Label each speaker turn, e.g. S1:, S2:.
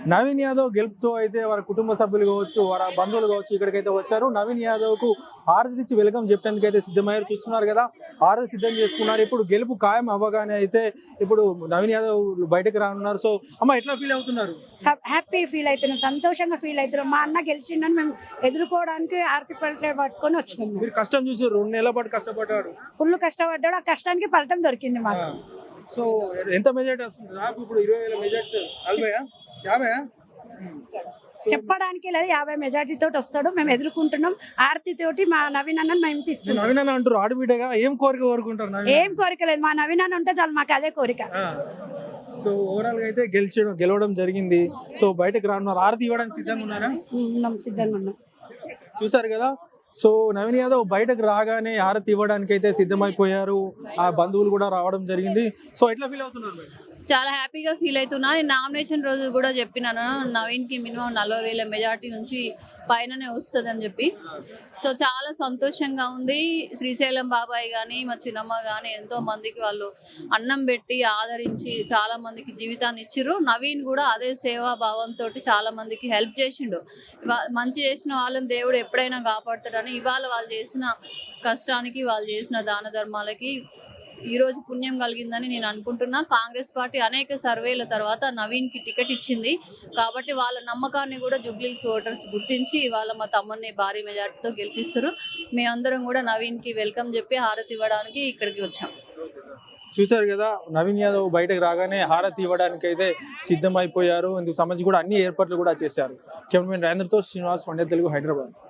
S1: నవీన్ యాదవ్ గెలుపుతో అయితే వారి కుటుంబ సభ్యులు కావచ్చు, వారి బంధువులు కావచ్చు ఇక్కడికైతే వచ్చారు. నవీన్ యాదవ్ కు హారతి ఇచ్చి వెల్కమ్ చెప్పేందుకైతే సిద్ధమయ్యారు. చూస్తున్నారు కదా, హారతి సిద్ధం చేసుకున్నారు. ఇప్పుడు గెలుపు ఖాయం అవ్వగానే అయితే ఇప్పుడు నవీన్ యాదవ్ బయటకు రానున్నారు. సో అమ్మ ఎట్లా ఫీల్ అవుతున్నారు?
S2: హ్యాపీ ఫీల్ అవుతున్నాం, సంతోషంగా ఫీల్ అవుతున్నాం. మా అన్న గెలిచిండని మేము ఎదుర్కోవడానికి ఆర్తి పల్లె పట్టుకొని వచ్చినాం.
S1: మీరు కష్టం చూసి 2 నెలల పాటు కష్టపడ్డాడు,
S2: ఫుల్ కష్టపడ్డాడు. ఆ కష్టానికి ఫలితం దొరికింది మాకు.
S1: సో ఎంత మెజార్టీ వస్తుంది? నాకు ఇప్పుడు 20,000 మెజార్టీ, 40, 50.
S2: చెప్పడానికి లేదు, 50 మెజార్టీ తోటి వస్తాడు. మేము ఎదుర్కొంటున్నాం. ఆర్తి తోటి మా నవీన్ అన్న మేము తీసుకుంటాం.
S1: నవీన్ అన్న అంటారు ఆడబిడ్డగా ఏం కోరిక కోరుకుంటారు?
S2: ఏం కోరిక లేదు, మా నవీన్ అన్న ఉంటే చాలు, మాకు అదే కోరిక.
S1: సో ఓవరాల్ గా అయితే గెలవడం జరిగింది. సో బయటకు రానున్నారు. ఆరతి ఇవ్వడానికి సిద్ధంగా ఉన్నారా?
S2: ఉన్నాం, సిద్ధంగా ఉన్నాం.
S1: చూసారు కదా, సో నవీన్ యాదవ్ బయటకు రాగానే హారతి ఇవ్వడానికి అయితే సిద్ధమైపోయారు. ఆ బంధువులు కూడా రావడం జరిగింది. సో ఎట్లా ఫీల్ అవుతున్నారు?
S3: చాలా హ్యాపీగా ఫీల్ అవుతున్నా. నేను నామినేషన్ రోజు కూడా చెప్పినాను, నవీన్కి మినిమం 40,000 మెజార్టీ నుంచి పైననే వస్తుంది అని చెప్పి. సో చాలా సంతోషంగా ఉంది. శ్రీశైలం బాబాయ్ కానీ మా చిన్నమ్మ కానీ ఎంతో మందికి వాళ్ళు అన్నం పెట్టి ఆదరించి చాలా మందికి జీవితాన్ని ఇచ్చిర్రు. నవీన్ కూడా అదే సేవా భావంతో చాలా మందికి హెల్ప్ చేసిండు. మంచి చేసిన వాళ్ళని దేవుడు ఎప్పుడైనా కాపాడుతాడని ఇవాళ వాళ్ళు చేసిన కష్టానికి, వాళ్ళు చేసిన దాన ధర్మాలకి ఈ రోజు పుణ్యం కలిగిందని నేను అనుకుంటున్నా. కాంగ్రెస్ పార్టీ అనేక సర్వేల తర్వాత నవీన్ కి టికెట్ ఇచ్చింది కాబట్టి వాళ్ళ నమ్మకాన్ని కూడా జూబ్లీహిల్స్ ఓటర్స్ గుర్తించి ఇవాళ మా తమ్ముడిని భారీ మెజార్టీతో గెలిపిస్తారు. మేమందరం కూడా నవీన్ కి వెల్కమ్ చెప్పి హారతి ఇవ్వడానికి ఇక్కడికి వచ్చాం.
S1: చూసారు కదా, నవీన్ యాదవ్ బయటకు రాగానే హారతి ఇవ్వడానికి అయితే సిద్ధమైపోయారు. ఇందుకు సంబంధించి కూడా అన్ని ఏర్పాట్లు కూడా చేశారు. కెమెరామెన్ రాజేంద్రతో శ్రీనివాస్, వండే తెలుగు, హైదరాబాద్.